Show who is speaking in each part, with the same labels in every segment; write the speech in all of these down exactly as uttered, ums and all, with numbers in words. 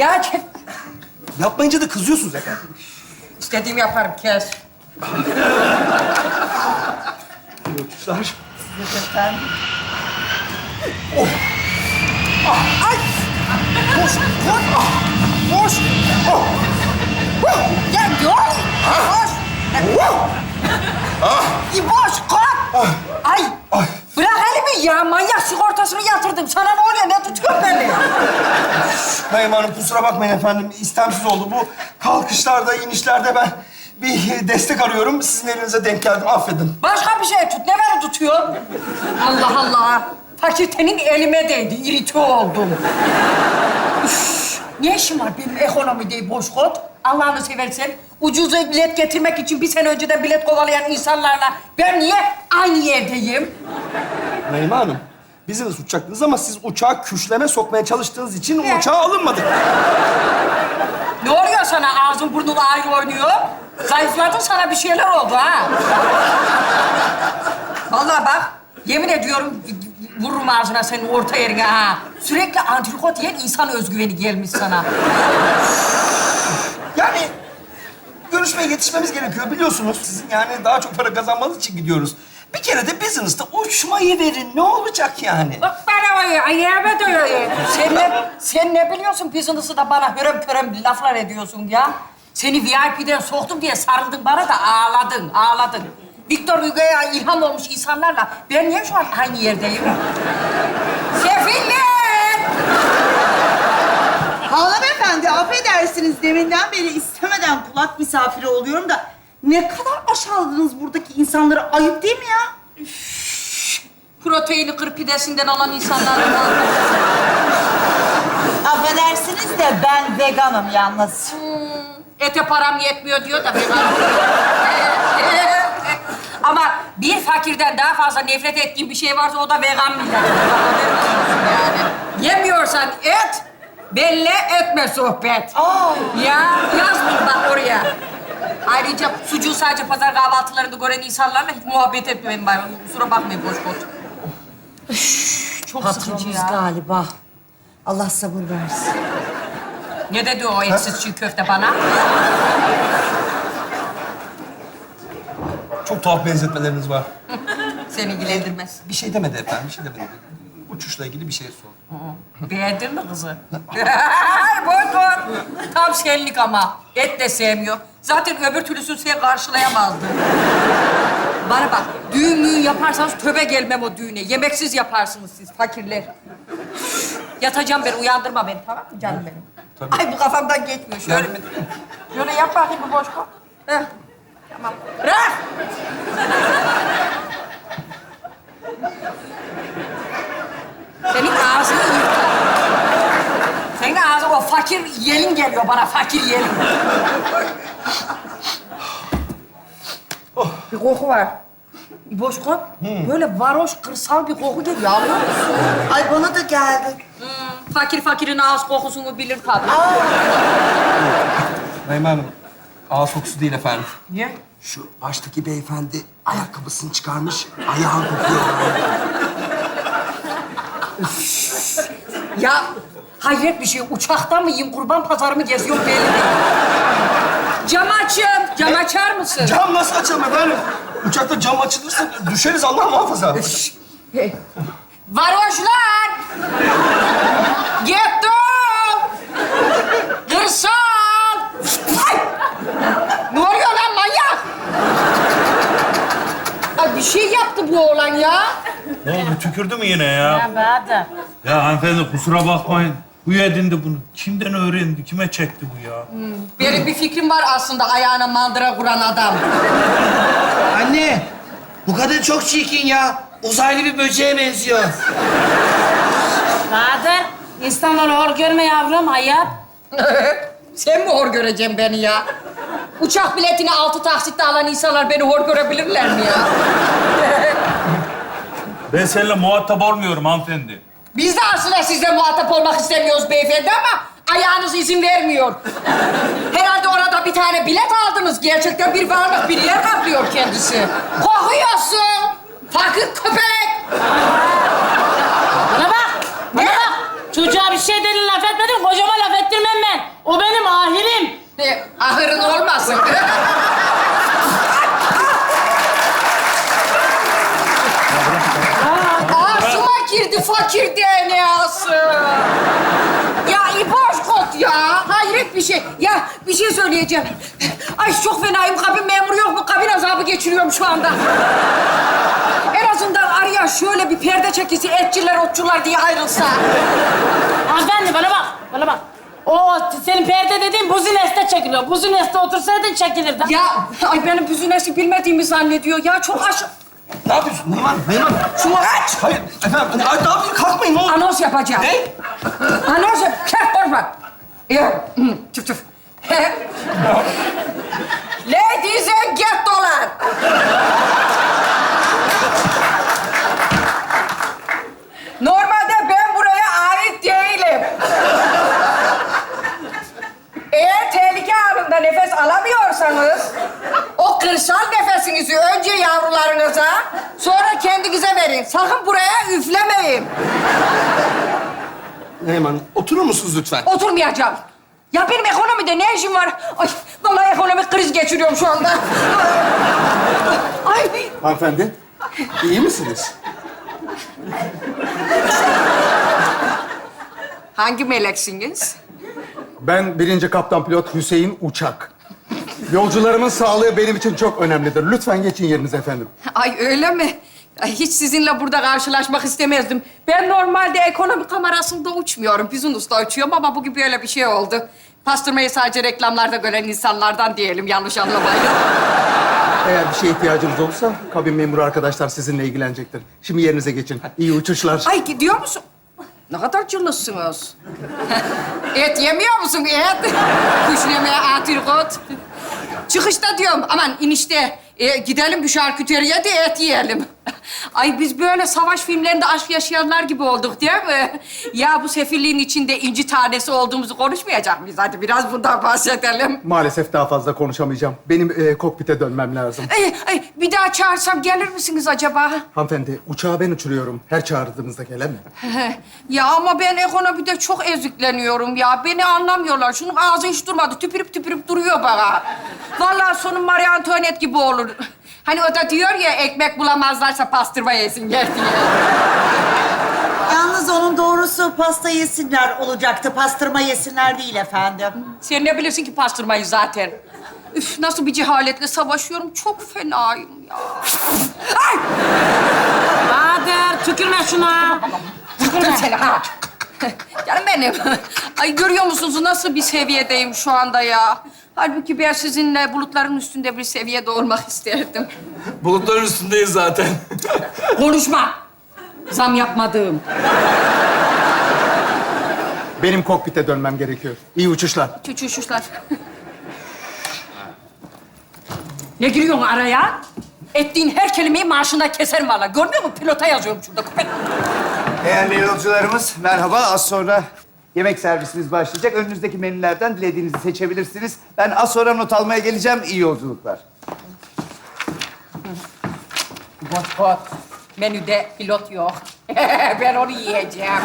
Speaker 1: Ya kes.
Speaker 2: Yapmayınca da kızıyorsunuz efendim.
Speaker 1: İstediğimi yaparım, kes.
Speaker 2: Uçuşlar.
Speaker 1: Efendim?
Speaker 2: Ay! Koş, koş! Ah! Koş! Oh!
Speaker 1: Ya dur! Koş! İboş, kalk! Ay!
Speaker 2: Ay!
Speaker 1: Bırak elimi ya, manyak sigortasını yatırdım. Sana ne oluyor, ne tutuyor beni?
Speaker 2: Naim Hanım kusura bakmayın efendim. İstemsiz oldu. Bu kalkışlarda, inişlerde ben bir destek arıyorum. Sizin elinize denk geldim. Affedin.
Speaker 1: Başka bir şey tut, ne beni tutuyor? Allah Allah! Fakültenin elime değdi, irite oldum. Üf, ne işim var benim ekonomide boş kod? Allah'ını seversen ucuz bilet getirmek için bir sene önceden bilet kovalayan insanlarla ben niye aynı yerdeyim?
Speaker 2: Naime Hanım, business uçacaktınız ama siz uçağı küşleme sokmaya çalıştığınız için
Speaker 1: Ne?
Speaker 2: uçağa alınmadık.
Speaker 1: Ne oluyor sana? Ağzın burnun ayrı oynuyor. Zayıfladın, sana bir şeyler oldu ha. Vallahi bak, yemin ediyorum vururum ağzına senin orta yerine ha. Sürekli antrikot yiyen insan özgüveni gelmiş sana.
Speaker 2: Yani görüşmeye yetişmemiz gerekiyor biliyorsunuz. Sizin yani daha çok para kazanmanız için gidiyoruz. Bir kere de business'ta uçmayı verin. Ne olacak yani?
Speaker 1: Bak bana ayı, ayağıma doyuyor. Sen ne, sen ne biliyorsun business'ı da bana hörem körem laflar ediyorsun ya. Seni V I P'den soktum diye sarıldın bana da ağladın, ağladın. Victor Hugo'ya ilham olmuş insanlarla ben niye şu an aynı yerdeyim? Sefiller!
Speaker 3: Hanımefendi, affedersiniz. Deminden beri istemeden kulak misafiri oluyorum da... ...ne kadar aşağıladınız buradaki insanları. Ayıp değil mi ya?
Speaker 1: Proteini kır pidesinden alan insanlar var.
Speaker 3: Affedersiniz de ben veganım yalnız.
Speaker 1: Ete param yetmiyor diyor da vegan. Ama bir fakirden daha fazla nefret ettiğim bir şey varsa o da vegan millet. Yani. Yemiyorsan et, belli etme sohbet.
Speaker 3: Aa.
Speaker 1: Ya yaz bunu bak oraya. Ayrıca sucuğu sadece pazar kahvaltılarında gören insanlarla hiç muhabbet etmeyin bari. Kusura bakmayın boş boş. Çok sıkıcı
Speaker 3: Patronumuz
Speaker 1: ya.
Speaker 3: galiba. Allah sabır versin.
Speaker 1: Ne dedi o etsiz çiğ köfte bana?
Speaker 2: Çok tuhaf benzetmeleriniz var.
Speaker 1: Seni ilgilendirmez.
Speaker 2: Bir şey demedi efendim, bir şey demedi. Uçuşla ilgili bir şey sor.
Speaker 1: Beğendin mi kızı? Boy boy. Tam senlik ama. Et de sevmiyor. Zaten öbür türlüsünü sen karşılayamazdın. Bana bak, düğün müğün yaparsanız töbe gelmem o düğüne. Yemeksiz yaparsınız siz fakirler. Yatacağım ben, uyandırma beni tamam mı canım benim?
Speaker 2: Tabii.
Speaker 1: Ay bu kafamdan geçmiyor. Şöyle,
Speaker 2: Yardım edeyim mi?
Speaker 1: şöyle yap bakayım bir boş kol. Heh. Tamam. Bırak! Senin ağzını yırtar. Senin ağzın o fakir yelin geliyor bana, fakir yelin. Bir koku var. Bir boş kol. Böyle varoş, kırsal bir koku geliyor. Anlıyor musun?
Speaker 3: Ay bana da geldi.
Speaker 1: Hmm, fakir fakirin ağız kokusunu bilir tabii.
Speaker 2: Naime Hanım, ağız kokusu değil efendim.
Speaker 1: Niye?
Speaker 2: Şu baştaki beyefendi ayakkabısını çıkarmış, ayağı kokuyor.
Speaker 1: Ya hayret bir şey. Uçakta mıyım, kurban pazarı mı geziyorum belli değil. Cam açın. Cam açar mısın?
Speaker 2: Cam nasıl açalım efendim? Uçakta cam açılırsa düşeriz Allah muhafaza.
Speaker 1: Varoşlar! Getto! Kırsal! Ay! Ne oluyor lan manyak? Ay bir şey yaptı bu oğlan ya.
Speaker 4: Ne oldu? Tükürdü mü yine ya?
Speaker 1: Bahadır.
Speaker 4: Ya hanımefendi kusura bakmayın. Bu edindi bunu. Kimden öğrendi? Kime çekti bu ya?
Speaker 1: Benim bir fikrim var aslında ayağına mandıra kuran adam.
Speaker 5: Anne, bu kadın çok çirkin ya. Uzaylı bir böceğe benziyor.
Speaker 6: Bahadır, insanları hor görme yavrum, ayıp.
Speaker 1: Sen mi hor göreceksin beni ya? Uçak biletini altı taksitle alan insanlar beni hor görebilirler mi ya?
Speaker 4: Ben seninle muhatap olmuyorum hanımefendi.
Speaker 1: Biz de aslında sizle muhatap olmak istemiyoruz beyefendi ama ayağınız izin vermiyor. Herhalde orada bir tane bilet aldınız. Gerçekten bir varlık, bir yer kaplıyor kendisi. Kokuyorsun. Fakir köpek.
Speaker 6: Bana bak, bana bak. Çocuğa bir şey dedin, laf etmedin, kocama laf ettirmem ben. O benim ahirim.
Speaker 1: E, ahırın olmasın. Ağzıma girdi fakir D N A'sı. Ya İboş kot ya. Hayret bir şey. Ya bir şey söyleyeceğim. Ay çok fenayım. Kabin memuru yok mu? Kabin azabı geçiriyorum şu anda. En azından araya şöyle bir perde çekisi etçiler, otçular diye ayrılsa.
Speaker 6: Hanımefendi bana bak, bana bak. O senin perde dediğin buzineste çekiliyor. Buzineste otursaydın çekilirdi.
Speaker 1: Ya ay benim büzünesi bilmediğimi zannediyor. Ya çok aşık.
Speaker 2: Ne yapıyorsun Neyman? Neyman?
Speaker 1: Şunu aç.
Speaker 2: Hayır efendim. Ay, ne yapıyorsun? Kalkmayın ne olur.
Speaker 1: Anons yapacağım.
Speaker 2: Ne?
Speaker 1: Anons yap. Keh korkma. Ya, çıf çıf. Ladies and gentlemen. Normalde ben buraya ait değilim. Eğer tehlike anında nefes alamıyorsanız, o kırsal nefesinizi önce yavrularınıza, sonra kendinize verin. Sakın buraya üflemeyin.
Speaker 2: Neyman oturur musunuz lütfen?
Speaker 1: Oturmayacağım. Ya benim ekonomide ne işim var? Ay, vallahi ekonomik kriz geçiriyorum şu anda. Ay,
Speaker 2: Hanımefendi, iyi misiniz?
Speaker 1: hangi meleksiniz?
Speaker 7: Ben birinci kaptan pilot Hüseyin Uçak. Yolcularımın sağlığı benim için çok önemlidir. Lütfen geçin yerinize efendim.
Speaker 1: Ay öyle mi? Ay, hiç sizinle burada karşılaşmak istemezdim. Ben normalde ekonomi kamerasında uçmuyorum. Business'ta uçuyorum ama bugün böyle bir şey oldu. Pastırmayı sadece reklamlarda gören insanlardan diyelim, yanlış anlamayın.
Speaker 7: Eğer bir şeye ihtiyacınız olursa kabin memuru arkadaşlar sizinle ilgilenecektir. Şimdi yerinize geçin. İyi uçuşlar.
Speaker 1: Ay gidiyor musun? Ne kadar cılızsınız. Et yemiyor musun et? Kuş yemeye antrikot. Çıkışta diyorum aman inişte e, gidelim bir şarküteriye de et yiyelim. Ay biz böyle savaş filmlerinde aşk yaşayanlar gibi olduk değil mi? Ya bu sefilliğin içinde inci tanesi olduğumuzu konuşmayacak mıyız? Hadi biraz bundan bahsedelim.
Speaker 7: Maalesef daha fazla konuşamayacağım. Benim e, kokpite dönmem lazım.
Speaker 1: Ay, ay, bir daha çağırsam gelir misiniz acaba?
Speaker 7: Hanımefendi, uçağı ben uçuruyorum. Her çağırdığınızda gelemem.
Speaker 1: Ya ama ben ekonomide çok ezikleniyorum ya. Beni anlamıyorlar. Şunun ağzı hiç durmadı. Tüpürüp tüpürüp duruyor bana. Vallahi sonum Marie Antoinette gibi olur. Hani o da diyor ya ekmek bulamazlarsa pastırma yesinler diye.
Speaker 3: Yalnız onun doğrusu pasta yesinler olacaktı. Pastırma yesinler değil efendim.
Speaker 1: Sen ne bilirsin ki pastırmayı zaten? Üf nasıl bir cehaletle savaşıyorum. Çok fenayım ya. Ay!
Speaker 6: Bahadır tükürme şuna.
Speaker 1: Dur seni ha. Canım benim. Ay görüyor musunuz nasıl bir seviyedeyim şu anda ya? Halbuki ben sizinle bulutların üstünde bir seviyede olmak isterdim.
Speaker 8: Bulutların üstündeyiz zaten.
Speaker 1: Konuşma. Zam yapmadığım.
Speaker 7: Benim kokpite dönmem gerekiyor. İyi uçuşlar.
Speaker 1: Çuçuşuşlar. Ne giriyorsun araya? Ettiğin her kelimeyi maaşından keserim valla. Görmüyor musun? Pilota yazıyorum şurada. Köpek.
Speaker 9: Değerli yolcularımız, merhaba. Az sonra yemek servisiniz başlayacak. Önünüzdeki menülerden dilediğinizi seçebilirsiniz. Ben az sonra not almaya geleceğim. İyi yolculuklar.
Speaker 1: Bot bot. Menüde pilot yok. Ben onu yiyeceğim.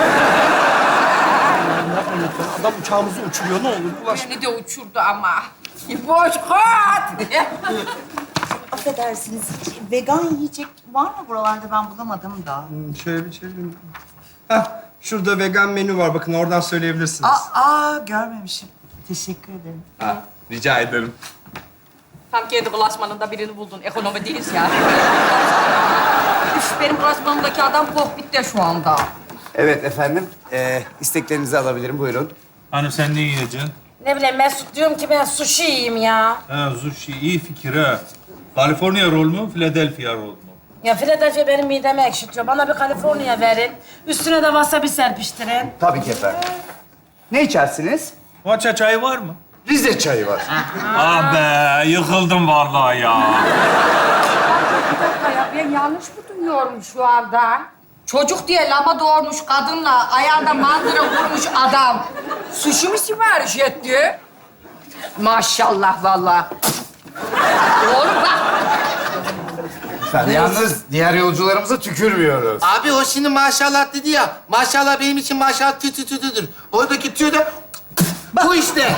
Speaker 2: Adam uçağımızı uçuruyor ne olur ulaş.
Speaker 1: Beni de uçurdu ama. Boş kot.
Speaker 3: Affedersiniz, vegan yiyecek var mı buralarda? Ben bulamadım da.
Speaker 2: Şöyle bir çevireyim. Heh, şurada vegan menü var bakın oradan söyleyebilirsiniz.
Speaker 3: Aa, aa görmemişim. Teşekkür ederim.
Speaker 8: Ha, rica ederim.
Speaker 1: Tam kendi klasmanında birini buldun. Ekonomi değiliz ya. Üf, benim klasmanımdaki adam kokpitte şu anda.
Speaker 9: Evet efendim, ee, isteklerinizi alabilirim. Buyurun.
Speaker 4: Hani sen ne yiyeceksin?
Speaker 6: Ne bileyim Mesut diyorum ki ben sushi yiyeyim ya.
Speaker 4: Ha, sushi iyi fikir ha. California roll mu, Philadelphia roll mu?
Speaker 6: Ya Philadelphia benim midemi ekşitiyor. Bana bir California verin. Üstüne de wasabi serpiştirin.
Speaker 9: Tabii ki efendim. Ne içersiniz?
Speaker 4: Matcha çayı var mı?
Speaker 9: Rize çayı var.
Speaker 4: Ah be, yıkıldım vallahi ya.
Speaker 1: Bir dakika ya, ben yanlış mı duyuyorum şu anda? Çocuk diye lama doğurmuş kadınla ayağında mandıra vurmuş adam. Sushi mi sipariş etti? Maşallah vallahi. Oğlum bak.
Speaker 9: Efendim, yalnız diğer yolcularımıza tükürmüyoruz.
Speaker 5: Abi o şimdi maşallah dedi ya. Maşallah benim için maşallah tü tü tü tüdür. Oradaki tüy de Bu işte.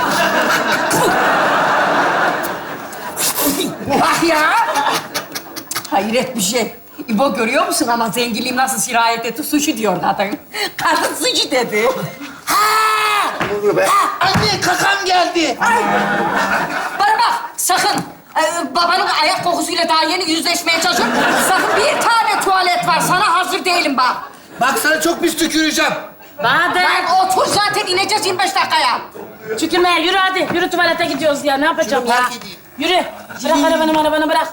Speaker 1: Bak ya! Hayret bir şey. İbo görüyor musun ama zenginliğim nasıl sirayet etti? Sushi diyor kadın. Kadın sushi dedi.
Speaker 5: Ne oluyor be? Anne kakam geldi.
Speaker 1: Bana bak sakın. Ee, babanın ayak kokusuyla daha yeni yüzleşmeye çalışıyorum. Sakın bir tane tuvalet var. Sana hazır değilim bak.
Speaker 5: Bak sana çok pis tüküreceğim.
Speaker 6: Bahadır.
Speaker 1: Ben otur zaten ineceğiz yirmi beş dakikaya.
Speaker 6: Tükürmeye yürü hadi. Yürü tuvalete gidiyoruz ya. Ne yapacağım
Speaker 5: Şunu
Speaker 6: ya?
Speaker 5: park edeyim.
Speaker 6: Yürü. Bırak arabanı arabanı bırak.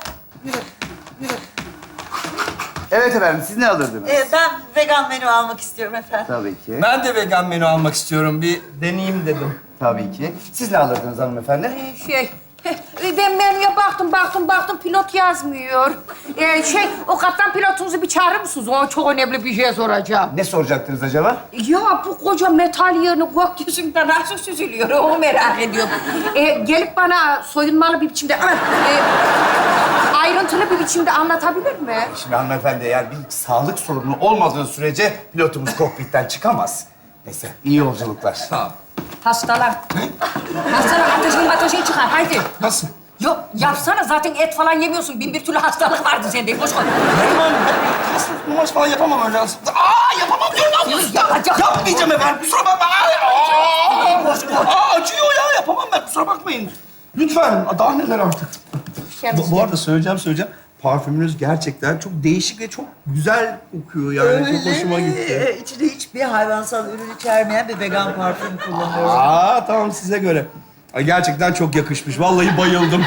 Speaker 9: Evet efendim, siz ne alırdınız?
Speaker 3: Ee, ben vegan menü almak istiyorum efendim.
Speaker 9: Tabii ki.
Speaker 8: Ben de vegan menü almak istiyorum. Bir deneyeyim dedim.
Speaker 9: Tabii ki. Siz ne alırdınız hanımefendi?
Speaker 1: Ee, Şey, ben menüye baktım, baktım, baktım pilot yazmıyor. Ee, şey, o kaptan pilotunuzu bir çağırır mısınız? O çok önemli bir şey soracağım.
Speaker 9: Ne soracaktınız acaba?
Speaker 1: Ya bu koca metal yığını gökyüzünde nasıl süzülüyor? Onu merak ediyorum. Ee, gelip bana soyunmalı bir biçimde, evet, e, ayrıntılı bir biçimde anlatabilir mi?
Speaker 9: Şimdi hanımefendi, eğer bir sağlık sorunu olmadığı sürece pilotumuz kokpitten çıkamaz. Neyse, iyi yolculuklar.
Speaker 8: Tamam.
Speaker 1: Hastalar. Hastalar ateşin ateşin çıkar. Haydi.
Speaker 2: Nasıl?
Speaker 1: Yok yapsana zaten et falan yemiyorsun. Bin bir türlü hastalık vardı sende. Boş ver.
Speaker 2: Neriman Hanım, ben kasım numarası falan yapamam öyle aslında. Aa, yapamam diyorum. Ne yapıyorsun?
Speaker 1: Ya, ya.
Speaker 2: Yapmayacağım efendim, kusura bakma. Aa, aa, acıyor ya, yapamam ben, kusura bakmayın. Lütfen, daha neler artık. Bu, bu arada söyleyeceğim, söyleyeceğim. Parfümünüz gerçekten çok değişik ve çok güzel kokuyor yani. Çok hoşuma gitti.
Speaker 3: Ee, içinde hiçbir hayvansal ürün içermeyen bir vegan parfüm kullanıyorum.
Speaker 2: Aa, tamam size göre. Ay, gerçekten çok yakışmış. Vallahi bayıldım.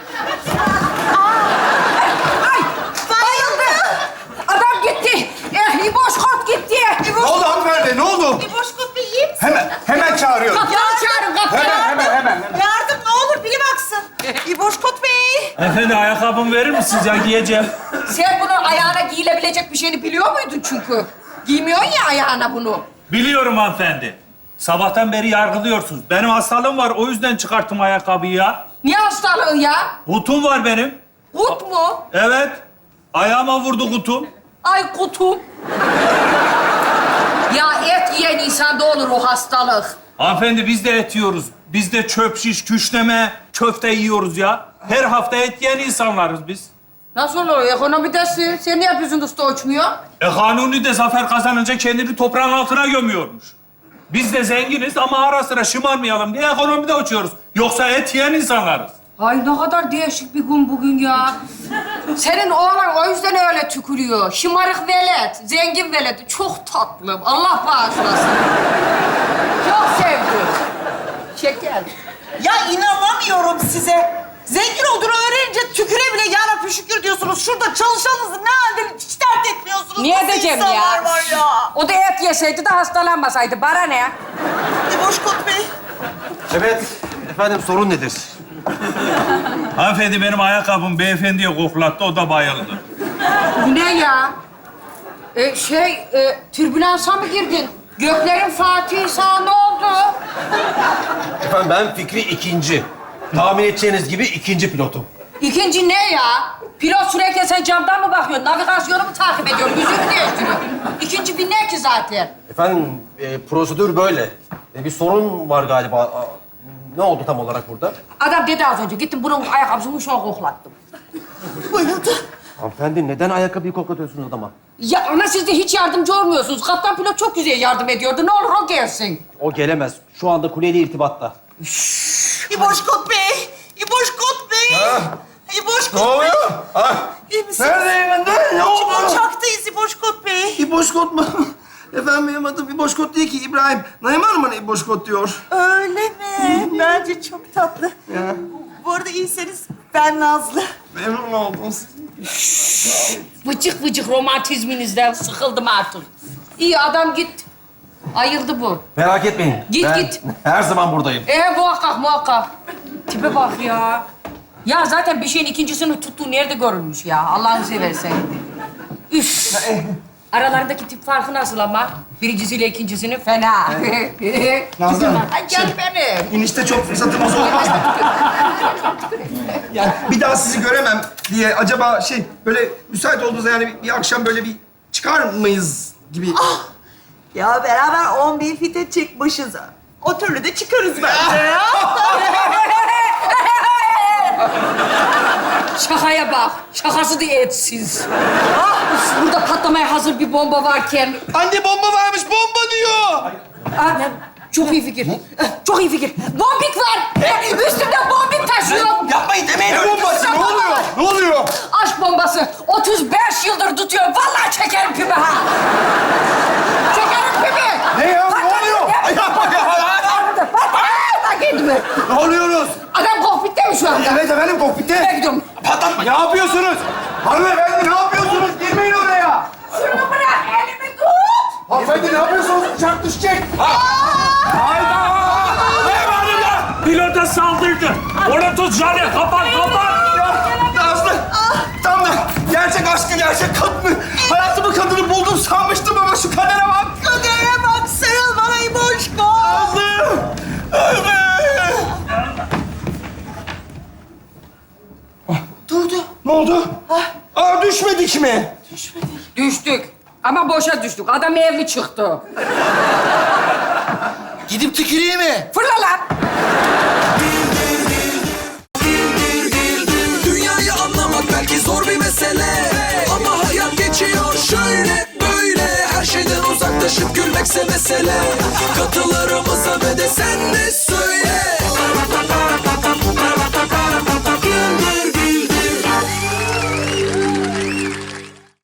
Speaker 1: Ay bayıldı. Adam gitti. Eh, İboş kort gitti.
Speaker 9: Ne
Speaker 1: İboş
Speaker 9: oldu hanımefendi, ne oldu?
Speaker 3: Bir boş kopya yiyeyim.
Speaker 9: Hemen, hemen çağırıyorum.
Speaker 1: kaptanı çağırın kaptanı.
Speaker 9: Hemen, hemen, hemen.
Speaker 3: Yardım ne olur biri baksın. İboş Kot Bey.
Speaker 4: Efendi ayakkabımı verir misiniz ya giyeceğim?
Speaker 1: Sen bunun ayağına giyilebilecek bir şeyini biliyor muydun çünkü? Giymiyorsun ya ayağına bunu.
Speaker 4: Biliyorum hanımefendi. Sabahtan beri yargılıyorsunuz. Benim hastalığım var, o yüzden çıkarttım ayakkabıyı ya.
Speaker 1: Niye hastalığın ya?
Speaker 4: Kutum var benim.
Speaker 1: Kut mu?
Speaker 4: Evet. Ayağıma vurdu kutum.
Speaker 1: Ay kutum. Ya et yiyen insanda olur o hastalık.
Speaker 4: Hanımefendi biz de et yiyoruz. Biz de çöp şiş, küşleme, köfte yiyoruz ya. Her hafta et yiyen insanlarız biz.
Speaker 1: Nasıl olur? Ekonomidesin. Sen niye yüzün usta uçmuyor?
Speaker 4: E Kanuni de zafer kazanınca kendini toprağın altına gömüyormuş. Biz de zenginiz ama ara sıra şımarmayalım diye ekonomide uçuyoruz. Yoksa et yiyen insanlarız.
Speaker 1: Ay ne kadar değişik bir gün bugün ya. Senin oğlan o yüzden öyle tükürüyor. Şımarık velet, zengin velet. Çok tatlı. Allah bağışlasın. Çok sevdim. Şeker.
Speaker 3: Ya inanamıyorum size. Zengin olduğunu öğrenince tüküre bile yarabbi şükür diyorsunuz. Şurada çalışanınızı ne halde hiç dert etmiyorsunuz.
Speaker 1: Niye
Speaker 3: Nasıl
Speaker 1: edeceğim ya?
Speaker 3: insanlar var ya?
Speaker 1: O da et yeseydi de hastalanmasaydı. Bana ne?
Speaker 3: İboş Kot Bey.
Speaker 5: Evet. Efendim sorun nedir?
Speaker 4: Hanımefendi benim ayakkabım beyefendiye koklattı, o da bayıldı.
Speaker 1: Bu ne ya? Ee, şey, e, türbülansa mı girdin? Göklerin Fatih'i sana ne oldu?
Speaker 5: Efendim ben Fikri ikinci. Tahmin edeceğiniz gibi ikinci pilotum.
Speaker 1: İkinci ne ya? Pilot sürekli sen camdan mı bakıyorsun? Navigasyonu mu takip ediyorsun? Yüzünü değiştiriyorsun. İkinci bir ne ki zaten?
Speaker 5: Efendim e, prosedür böyle. E, bir sorun var galiba. Aa, ne oldu tam olarak burada?
Speaker 1: Adam dedi az önce. Gittim bunun ayakkabısını uçuna koklattım.
Speaker 3: Bayıldı.
Speaker 5: Hanımefendi neden ayakkabıyı koklatıyorsunuz adama?
Speaker 1: Ya ama siz de hiç yardımcı olmuyorsunuz. Kaptan pilot çok güzel yardım ediyordu. Ne olur o gelsin.
Speaker 5: O gelemez. Şu anda kuleyle irtibatta.
Speaker 3: İboş Kot Bey. İboş Kot Bey. İboş
Speaker 2: Ne
Speaker 3: Kot Bey.
Speaker 2: oluyor? Ah,
Speaker 3: İyi misiniz?
Speaker 2: neredeyim ben de? Ne oldu?
Speaker 3: Uçaktayız İboş Kot Bey.
Speaker 2: İboşkot mu? Efendim benim adım İboşkot değil ki İbrahim. Naim Hanım bana İboşkot diyor.
Speaker 3: Öyle mi? Bence çok tatlı.
Speaker 2: Ya.
Speaker 3: Bu arada iyiyseniz ben Nazlı.
Speaker 2: Memnun oldum.
Speaker 1: Vıcık vıcık romantizminizden sıkıldım artık. İyi adam git. Ayıldı bu.
Speaker 5: Merak etmeyin.
Speaker 1: Git,
Speaker 5: ben
Speaker 1: git.
Speaker 5: her zaman buradayım.
Speaker 1: Ee muhakkak muhakkak. Tipe bak ya. Ya zaten bir şeyin ikincisini tuttuğu nerede görülmüş ya? Allah'ını seversen. Üf. Aralarındaki tip farkı nasıl ama? Birincisiyle ikincisinin fena.
Speaker 2: Nazlı Hanım,
Speaker 1: Ay gel benim.
Speaker 2: İnişte çok fırsatımız olmaz mı? Yani bir daha sizi göremem diye acaba şey böyle müsait olduğunuzda yani bir, bir akşam böyle bir çıkar mıyız gibi.
Speaker 3: Ya beraber on bin fite çıkmışız. O türlü de çıkarız bence ya.
Speaker 1: Şakaya bak. Şakası da etsiz. Ah, burada patlamaya hazır bir bomba varken...
Speaker 5: Anne bomba varmış, bomba diyor.
Speaker 1: Ah, çok iyi fikir. Çok iyi fikir. Bombik var. Üstümde bombik taşıyor.
Speaker 5: Yapmayın demeyin
Speaker 2: Ne
Speaker 5: öyle.
Speaker 2: bombası? Ne oluyor? Ne oluyor?
Speaker 1: Aşk bombası. otuz beş yıldır tutuyor. Vallahi çekerim pimi ha. Çekerim pimi.
Speaker 2: Ne ya? Ne oluyor? Ay, yapma ya.
Speaker 1: Patlatma kendimi.
Speaker 2: Ne oluyoruz?
Speaker 1: Adam kokpitte mi şu anda?
Speaker 2: Evet efendim, kokpitte.
Speaker 1: Ben gidiyorum.
Speaker 2: Patlatma. Ne yapıyorsunuz? Hanımefendi ne yapıyorsunuz? Girmeyin oraya.
Speaker 1: Şunu bırak, elimi tut.
Speaker 2: Hanımefendi ne yapıyorsunuz? Uçak düşecek.
Speaker 4: Hayda! Eyvallah ya! Pilota saldırdı. Onu tut Jale. Kapat, kapat.
Speaker 2: Nazlı. Tam da gerçek aşkı, gerçek kadını, hayatımın kadını buldum sanmıştım ama şu kadere bak.
Speaker 3: Kadere bak, sarıl bana İboşko.
Speaker 2: Nazlı. Nazlı.
Speaker 3: Durdu.
Speaker 2: Ne oldu? Aa, düşmedik mi?
Speaker 1: Düştük. Ama boşa düştük. Adam evli çıktı.
Speaker 5: Gidip tüküreyim mi?
Speaker 1: Fırla lan.
Speaker 10: Dünyayı anlamak belki zor bir mesele, ama hayat geçiyor şöyle böyle. Her şeyden uzaklaşıp gülmekse mesele. Katılarımıza ve de sen de